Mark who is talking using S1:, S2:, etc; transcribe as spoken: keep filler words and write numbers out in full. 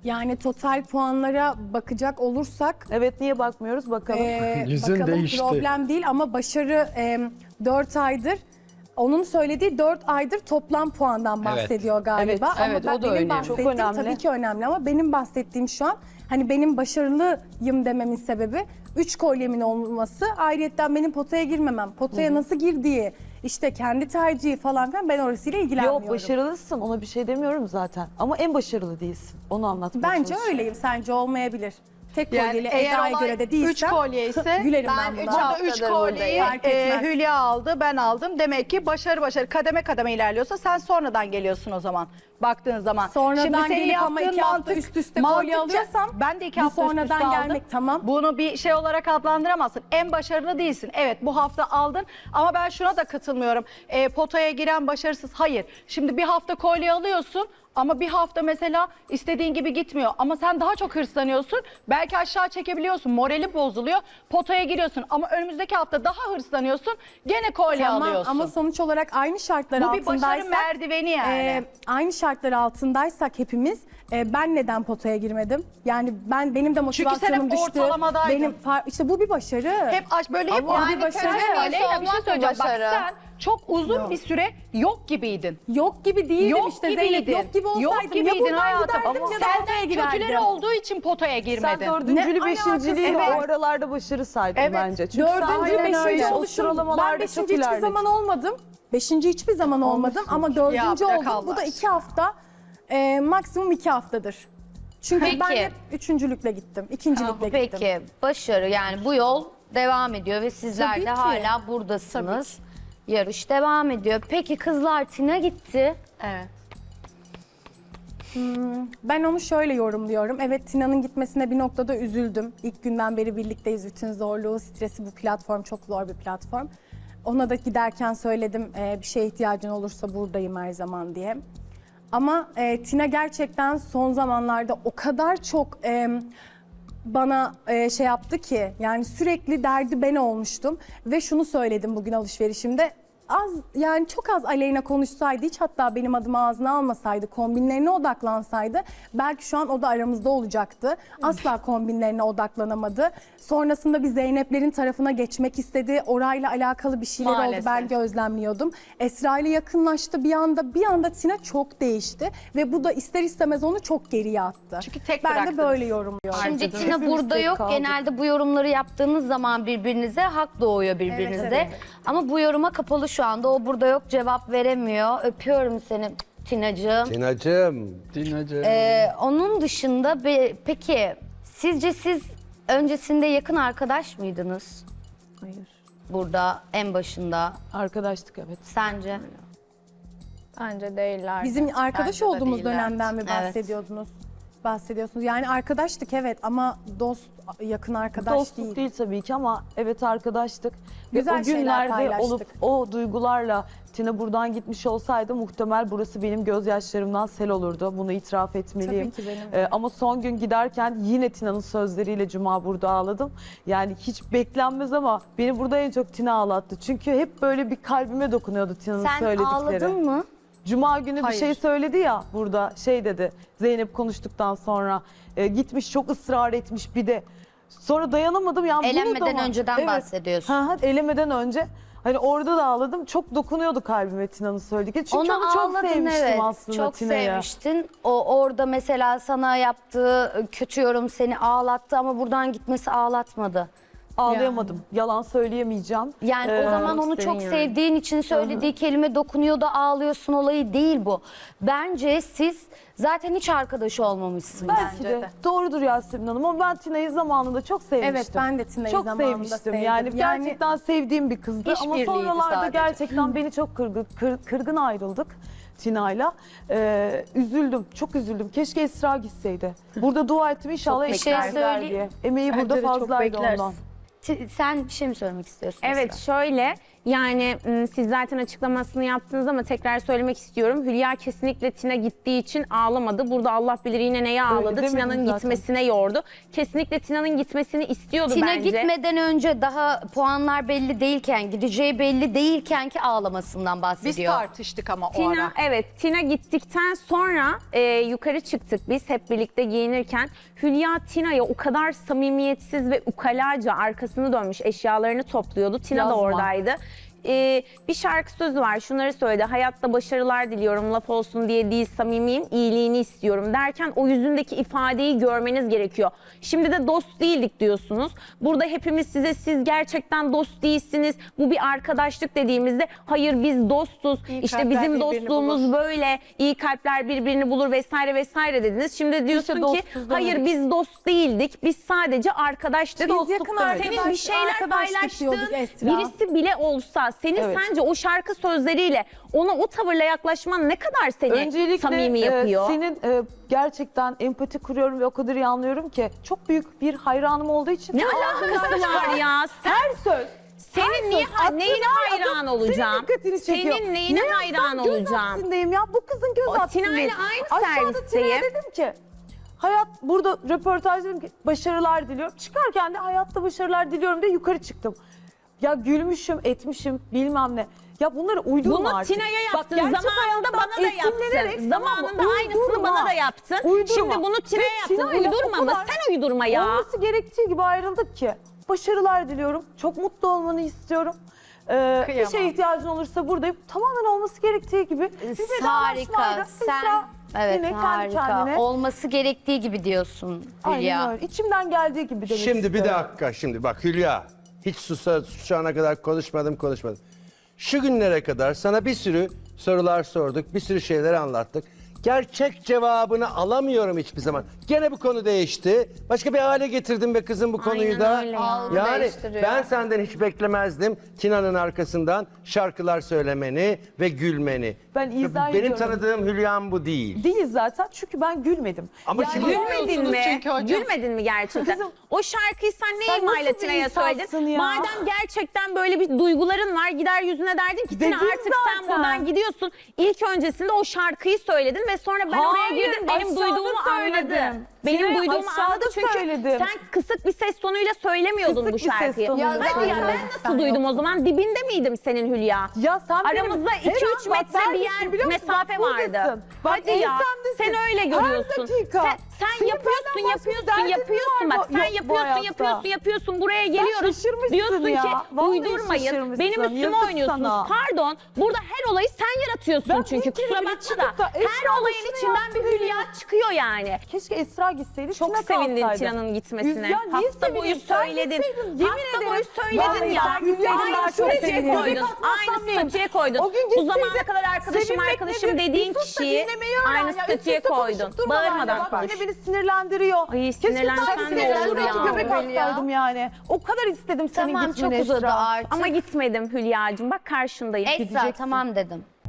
S1: Yani total puanlara bakacak olursak
S2: Evet, niye bakmıyoruz bakalım.
S1: e,
S3: Yüzün
S1: bakalım
S3: değişti.
S1: problem değil ama başarı e, dört aydır. Onun söylediği dört aydır toplam puandan bahsediyor galiba.
S2: Evet,
S1: Ama
S4: evet,
S1: ben,
S4: o da
S1: benim
S4: önemli.
S1: bahsettiğim
S2: Çok önemli.
S1: tabii ki önemli ama benim bahsettiğim şu an hani benim başarılıyım dememin sebebi üç kolyemin olması, ayrıyetten benim potaya girmemem. Potaya nasıl girdiği, işte kendi tercihi falan filan, ben orasıyla ilgilenmiyorum.
S2: Yok, başarılısın, ona bir şey demiyorum zaten. Ama en başarılı değilsin. Onu anlatmaya
S1: Bence
S2: çalışıyorum.
S1: öyleyim, sence olmayabilir. Tek
S5: Yani
S1: kolyeli
S5: eğer
S1: Eda'ya
S5: olay
S1: göre de değilsem
S5: üç kolye ise
S1: gülerim
S6: ben
S1: ben
S6: üç
S1: buna.
S6: al-
S5: burada üç
S6: haftadır
S5: kolyeyi
S6: buradayım.
S1: Fark
S5: e,
S1: etmez.
S5: Hülya aldı, ben aldım. Demek ki başarı başarı kademe kademe ilerliyorsa sen sonradan geliyorsun o zaman. Baktığın zaman.
S1: Sonradan
S5: senin
S1: gelip ama
S5: yaptığın
S1: iki hafta üst üste kolye
S5: mantıkça-
S1: alıyorsam,
S5: ben de iki
S1: bu
S5: hafta üst
S1: sonradan
S5: üste aldım.
S1: gelmek tamam.
S5: Bunu bir şey olarak adlandıramazsın. En başarılı değilsin. Evet, bu hafta aldın ama ben şuna da katılmıyorum. E, potaya giren başarısız. Hayır. Şimdi bir hafta kolye alıyorsun ama bir hafta mesela istediğin gibi gitmiyor. Ama sen daha çok hırslanıyorsun. Belki aşağı çekebiliyorsun. Morali bozuluyor. Potaya giriyorsun ama önümüzdeki hafta daha hırslanıyorsun. Gene kolye
S1: Tamam
S5: alıyorsun.
S1: ama sonuç olarak aynı şartlar
S5: Bu bir başarı
S1: altındaysak,
S5: merdiveni yani.
S1: e, aynı şartlar altındaysak hepimiz, e, ben neden potaya girmedim? Yani ben benim de motivasyonum
S5: hep
S1: düştü.
S5: ortalamadaydın.
S1: Benim far- işte bu bir başarı.
S5: Hep aç böyle hep
S1: Ama
S5: yani
S1: bir başarı.
S5: Aleyna, bir şey
S6: olmak da
S5: söyleyeceğim. Bak
S6: başarı.
S5: sen çok uzun
S1: Yok.
S5: bir süre yok gibiydin.
S1: Yok gibi değildim
S5: Yok
S1: işte
S5: gibiydin.
S1: Zeynep. Yok gibi olsaydım
S5: Yok
S1: ya
S5: gibiydin
S1: buradan
S5: hayatım.
S1: giderdim ya da potaya
S5: Senden
S1: girerdim.
S5: kötüleri olduğu için potaya girmedin.
S2: Sen dördüncülü,
S1: Ne
S2: beşinciliği
S1: alakası
S2: o
S1: var?
S2: aralarda başarı saydın
S5: Evet.
S2: bence. Çünkü sen
S1: Dördüncü,
S2: aynen öyle,
S1: beşinci
S2: o
S1: oluşum.
S2: sıralamalarda
S1: Ben
S2: çok
S1: beşinci hiçbir
S2: ilerledin.
S1: zaman olmadım. Beşinci hiçbir zaman olmadım ama dördüncü
S5: hafta
S1: oldum. Bu da
S5: kalmaz.
S1: iki hafta, e, maksimum iki haftadır. Çünkü
S6: Peki.
S1: ben hep üçüncülükle gittim, ikincilikle gittim.
S6: Peki başarı, yani bu yol devam ediyor ve sizler
S1: Tabii
S6: de
S1: ki.
S6: hala buradasınız. Yarış devam ediyor. Peki kızlar, Tina gitti.
S5: Evet.
S1: Ben onu şöyle yorumluyorum. Evet, Tina'nın gitmesine bir noktada üzüldüm. İlk günden beri birlikteyiz. Bütün zorluğu, stresi, bu platform çok zor bir platform. Ona da giderken söyledim, e, bir şeye ihtiyacın olursa buradayım her zaman diye. Ama e, Tina gerçekten son zamanlarda o kadar çok e, bana e, şey yaptı ki, yani sürekli derdi ben olmuştum. Ve şunu söyledim bugün alışverişimde. Az, yani çok az Aleyna konuşsaydı, hiç hatta benim adımı ağzına almasaydı, kombinlerine odaklansaydı belki şu an o da aramızda olacaktı. Asla kombinlerine odaklanamadı. Sonrasında bir Zeynep'lerin tarafına geçmek istedi. Orayla alakalı bir şeyler
S5: Maalesef.
S1: oldu, ben gözlemliyordum. Esra ile yakınlaştı bir anda. Bir anda Tina çok değişti ve bu da ister istemez onu çok geriye attı.
S5: Çünkü tek
S1: ben de
S5: bıraktınız.
S1: böyle yorumluyorum.
S6: Şimdi
S2: Harcadınız.
S6: Tina
S2: Hepimiz
S6: burada
S2: tek
S6: yok.
S2: kaldık.
S6: Genelde bu yorumları yaptığınız zaman birbirinize hak doğuyor birbirinize.
S1: Evet, evet.
S6: Ama bu yoruma kapalı şu anda. O burada yok, cevap veremiyor. Öpüyorum seni Tinacığım.
S3: Tinacığım. Tinacığım.
S6: Ee, onun dışında be- peki sizce siz öncesinde yakın arkadaş mıydınız?
S2: Hayır.
S6: Burada en başında.
S2: Arkadaştık evet.
S6: Sence?
S4: Bence değiller.
S1: Bizim arkadaş
S5: Bence de
S1: olduğumuz
S5: değiller.
S1: dönemden mi
S6: Evet.
S1: bahsediyordunuz? Bahsediyorsunuz. Yani arkadaştık evet ama dost, yakın arkadaş
S2: Dostluk
S1: değil.
S2: değil. tabii ki ama evet arkadaştık.
S1: Güzel
S2: Ve o
S1: şeyler
S2: günlerde
S1: paylaştık.
S2: olup o duygularla Tina buradan gitmiş olsaydı muhtemel burası benim gözyaşlarımdan sel olurdu. Bunu itiraf etmeliyim.
S1: Tabii ki benim de.
S2: Ee, ama son gün giderken yine Tina'nın sözleriyle Cuma burada ağladım. Yani hiç beklenmez ama beni burada en çok Tina ağlattı. Çünkü hep böyle bir kalbime dokunuyordu Tina'nın
S6: Sen
S2: söyledikleri.
S6: ağladın mı?
S2: Cuma günü
S5: Hayır.
S2: bir şey söyledi ya burada, şey dedi Zeynep konuştuktan sonra e, gitmiş çok ısrar etmiş bir de sonra dayanamadım yani. bunu da
S6: Elenmeden
S2: mı-
S6: önceden bahsediyorsun.
S2: Hı hı, elemeden önce hani orada da ağladım, çok dokunuyordu kalbime Tina'nın söyledikleri çünkü
S6: Onu
S2: onu çok
S6: ağladın,
S2: sevmiştim
S6: evet.
S2: aslında
S6: Çok
S2: Tina'yı.
S6: sevmiştin. O orada mesela sana yaptığı kötü yorum seni ağlattı ama buradan gitmesi ağlatmadı.
S2: Ağlayamadım, yalan söyleyemeyeceğim.
S6: Yani
S2: Ee,
S6: o zaman onu
S2: senin
S6: çok
S2: yani.
S6: sevdiğin için söylediği kelime dokunuyor da ağlıyorsun olayı değil bu. Bence siz zaten hiç arkadaş olmamışsınız.
S2: Belki
S5: Bence
S2: de.
S5: de.
S2: Doğrudur Yasemin Hanım ama ben Tina'yı zamanında çok sevmiştim.
S1: Evet, ben de Tina'yı
S2: çok
S1: zamanında
S2: sevmiştim.
S1: sevdim.
S2: Yani,
S1: Yani-
S2: gerçekten sevdiğim bir kızdı ama
S5: İşbirliğiydi
S2: sonralarda
S5: sadece.
S2: gerçekten beni çok kırgın, kır- kırgın ayrıldık Tina'yla. Ee, üzüldüm, çok üzüldüm. Keşke Esra gitseydi. Burada dua ettim inşallah
S6: bir şey
S2: Esra gider
S6: söyleyeyim.
S2: diye. Emeği
S4: Bence
S2: burada
S4: de çok
S2: fazlaydı
S4: bekleriz.
S2: ondan.
S6: Ti- Sen bir şey mi söylemek istiyorsun?
S4: Evet
S6: Esra?
S4: şöyle
S7: Yani m, siz zaten açıklamasını yaptınız ama tekrar söylemek istiyorum. Hülya kesinlikle Tina gittiği için ağlamadı. Burada Allah bilir yine neye ağladı.
S2: demedim
S7: Tina'nın
S2: zaten.
S7: gitmesine yordu. Kesinlikle Tina'nın gitmesini istiyordu
S6: Tina
S7: bence.
S6: gitmeden önce daha puanlar belli değilken, gideceği belli değilken ki ağlamasından
S5: Biz
S6: bahsediyor.
S5: tartıştık ama o
S7: Tina,
S5: ara.
S7: evet, Tina gittikten sonra e, yukarı çıktık biz hep birlikte giyinirken. Hülya Tina'ya o kadar samimiyetsiz ve ukalaca arkasını dönmüş eşyalarını topluyordu. Tina
S2: Yazma.
S7: da oradaydı. Ee, bir şarkı sözü var, şunları söyledi: hayatta başarılar diliyorum, laf olsun diye değil, samimiyim, iyiliğini istiyorum derken o yüzündeki ifadeyi görmeniz gerekiyor. Şimdi de dost değildik diyorsunuz. Burada hepimiz size siz gerçekten dost değilsiniz, bu bir arkadaşlık dediğimizde hayır biz dostuz,
S5: İyi
S7: işte
S5: kalpler
S7: bizim
S5: birbirini
S7: dostluğumuz
S5: bulur.
S7: böyle, iyi kalpler birbirini bulur vesaire vesaire dediniz. Şimdi diyorsun ki
S2: dostuz
S7: hayır
S2: demedik.
S7: biz dost değildik, biz sadece arkadaştık.
S1: Biz yakın
S7: Senin bir
S1: arkadaş-
S7: şeyler
S1: arkadaşlık diyorduk
S7: paylaştığın
S1: Esra.
S7: birisi bile olsa senin
S2: Evet.
S7: sence o şarkı sözleriyle ona o tavırla yaklaşman ne kadar seni
S2: Öncelikle
S7: samimi
S2: e,
S7: yapıyor?
S2: senin e, gerçekten empati kuruyorum ve o kadar iyi anlıyorum ki çok büyük bir hayranım olduğu için.
S7: Ne alakası var ya? Sen,
S2: Her söz.
S7: senin niye,
S2: Aklına
S7: neyine hayran
S2: adım
S7: olacağım?
S2: Senin dikkatini çekiyor.
S7: Senin neyine
S2: Ne
S7: hayran
S2: yapsam göz
S7: olacağım?
S2: hapsindeyim ya. Bu kızın göz
S7: O
S2: hapsindeyim.
S7: Tina ile aynı
S2: Aşağıda
S7: servisteyim.
S2: Tina'ya dedim ki hayat burada röportaj dedim ki başarılar diliyorum. Çıkarken de hayatta başarılar diliyorum diye yukarı çıktım. Ya gülmüşüm, etmişim, bilmem ne. Ya bunları uydurma
S7: Bunu
S2: artık.
S7: Tina'ya
S2: Bak,
S7: yaptın.
S2: gerçek
S7: Zamanında
S2: hayattan
S7: bana da
S2: esinlenerek,
S7: yaptın.
S2: tamam mı?
S7: Zamanında aynısını
S2: Uydurma.
S7: bana da yaptın.
S2: Uydurma.
S7: Şimdi bunu Tina'ya
S2: Ve
S7: yaptın.
S2: Tina'yla
S7: Uydurma
S2: o
S7: mı?
S2: kadar
S7: Sen uydurma ya.
S2: Olması gerektiği gibi ayrıldık ki. Başarılar diliyorum. Çok mutlu olmanı istiyorum. Ee, bir
S5: Kıyamam.
S2: şeye ihtiyacın olursa buradayım. Tamamen olması gerektiği gibi. Bir vedalaşmaydı.
S6: Harika. Sen
S2: Esra
S6: evet
S2: yine kendi
S6: harika.
S2: kendine.
S6: Olması gerektiği gibi diyorsun Hülya.
S2: Aynen öyle. İçimden geldiği gibi demek
S3: Şimdi bir
S2: istiyorum.
S3: dakika şimdi bak Hülya. Hiç susa, şu ana kadar konuşmadım konuşmadım. Şu günlere kadar sana bir sürü sorular sorduk. Bir sürü şeyler anlattık. Gerçek cevabını alamıyorum hiçbir zaman. Gene bu konu değişti. Başka bir hale getirdim be kızım bu konuyu da.
S7: öyle ya.
S4: Algı
S3: Yani
S4: değiştiriyor.
S3: ben senden hiç beklemezdim Tina'nın arkasından şarkılar söylemeni ve gülmeni.
S2: Ben izah
S3: Benim
S2: ediyorum.
S3: tanıdığım Hülya'm bu değil.
S2: Değil zaten çünkü ben gülmedim.
S3: Ama
S2: Yani-
S3: şimdi
S7: Gülmedin mi?
S5: çünkü hocam.
S7: Gülmedin mi gerçekten?
S2: Kızım,
S7: o şarkıyı sen ne
S2: sen
S7: imayla
S2: nasıl bir
S7: Tina'ya
S2: insansın
S7: söyledin?
S2: ya?
S7: Madem gerçekten böyle bir duyguların var, gider yüzüne derdin ki Tina
S2: Dedim
S7: artık sen
S2: zaten.
S7: buradan gidiyorsun. İlk öncesinde o şarkıyı söyledin ve sonra ben oraya
S2: Hayır,
S7: girdim, benim
S2: aşağıda
S7: duyduğumu
S2: söyledim.
S7: anladım. Benim
S2: Tina'ya
S7: duyduğumu
S2: aşağıda
S7: anladım çünkü
S2: söyledim.
S7: sen kısık bir ses tonuyla söylemiyordun
S2: Kısık
S7: bu
S2: bir ses
S7: şarkıyı.
S2: tonuyla
S7: Hadi ya
S2: söyledim.
S7: ben nasıl duydum o zaman? Dibinde miydim senin Hülya?
S2: Ya sen benim-
S7: Aramızda
S2: Her
S7: iki
S2: an
S7: üç
S2: bak
S7: metre bir
S2: neredesin
S7: yer
S2: biliyor musun?
S7: mesafe
S2: Bak buradasın.
S7: vardı.
S2: Bak
S7: Hadi ya
S2: ensemdesin.
S7: sen öyle
S2: Her
S7: görüyorsun.
S2: dakika.
S7: Sen, sen
S2: Senin
S7: yapıyorsun
S2: benden başka
S7: yapıyorsun
S2: derdin
S7: yapıyorsun
S2: var
S7: bak
S2: mı?
S7: sen
S2: Yok bu
S7: yapıyorsun
S2: hayatta.
S7: yapıyorsun yapıyorsun buraya geliyoruz.
S2: şaşırmışsın
S7: Diyorsun
S2: ya.
S7: ki
S2: Vallahi
S7: uydurmayın.
S2: şaşırmışsın.
S7: Benim üstüme
S2: Yazık
S7: oynuyorsunuz.
S2: sana.
S7: Pardon burada her olayı sen yaratıyorsun
S2: Ben
S7: çünkü
S2: bir kere
S7: kusura
S2: bile
S7: bakma
S2: çıkıp
S7: da.
S2: da
S7: Her
S2: Esra
S7: olayın
S2: şunu
S7: içinden bir
S2: yaptı
S7: Hülya çıkıyor yani.
S2: Keşke Esra gitseydi.
S7: Çok
S2: Tina
S7: sevindin
S2: kalsaydı.
S7: Tina'nın gitmesine.
S2: Ya niye
S7: Hafta boyu
S2: sevineyim? Sen
S7: söyledin.
S2: gitseydin, yemin
S7: Hafta
S2: ederim.
S7: boyu söyledin
S2: Vallahi
S7: ya.
S2: ben gitseydim
S7: Aynı
S2: daha çok
S7: statüye
S2: sevinirdim.
S7: koydun.
S2: Göbek
S7: Aynı
S2: atmazsam neyim?
S7: statüye koydun.
S2: O gün
S7: Bu zamana
S2: gitseydim,
S7: kadar arkadaşım
S2: sevinmek
S7: arkadaşım
S2: nedir?
S7: dediğin
S2: Bir sus da
S7: kişiyi
S2: dinlemeyi öğren
S7: aynı
S2: ya.
S7: statüye
S2: Üst üste
S7: koydun.
S2: konuşup durma benimle.
S7: Bağırmadan
S2: Bak
S7: konuş.
S2: yine beni sinirlendiriyor.
S7: Ay,
S2: Keşke
S7: sinirlensen
S2: sen
S7: ne olur
S2: sinirlensen
S7: ya.
S2: ki göbek
S6: Hülya.
S2: atsaydım yani. O kadar istedim senin
S6: Tamam
S2: gitmeni
S6: çok uzadı
S2: Esra.
S6: artık.
S7: Ama gitmedim Hülya'cığım. Bak karşındayım.
S6: Esra
S7: Gideceksin.
S6: tamam dedim.